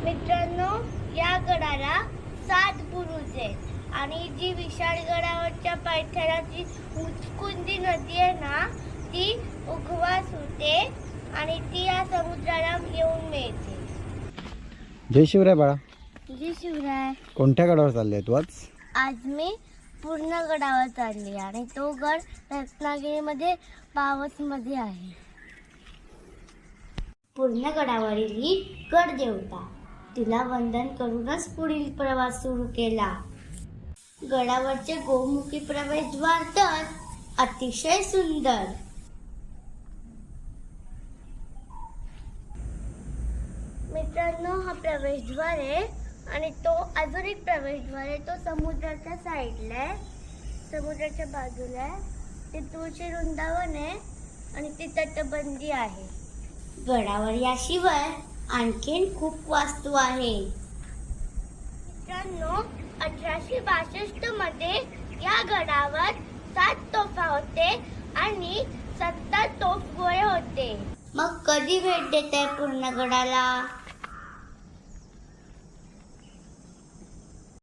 मित्रांनो, या गडाला 7 बुरुज आहेत आणि जी विशाळ गडावरच्या पायथ्याला जी उचकुंदी नदी आहे ना, ती उगवास होते आणि ती या समुद्राला येऊन मिळते. जय शिवराय बाळा. जय शिवराय. कोणत्या गडावर चालले तू आज? आज मी पूर्ण गडावर चालली आणि तो गड रत्नागिरीमध्ये पावसमध्ये आहे. पूर्ण गडावरील ही गड देवता, तिला वंदन करूनच पुढील प्रवास सुरू केला. गडावरचे गोमुखी प्रवेशद्वार तर अतिशय सुंदर. मित्रांनो, हा प्रवेशद्वार आहे आणि तो अजून एक प्रवेशद्वार आहे. तो समुद्राच्या साईडला आहे, समुद्राच्या बाजूला आहे. ते तुळशी वृंदावन आहे आणि ती तटबंदी आहे. गडावर याशिवाय आणखीन खूप वास्तू आहे. मित्रांनो, 1862 मध्ये या गडावर 7 तोफा होते आणि 70 तोफगोळे होते. मग कधी भेट देताय पूर्ण गडाला?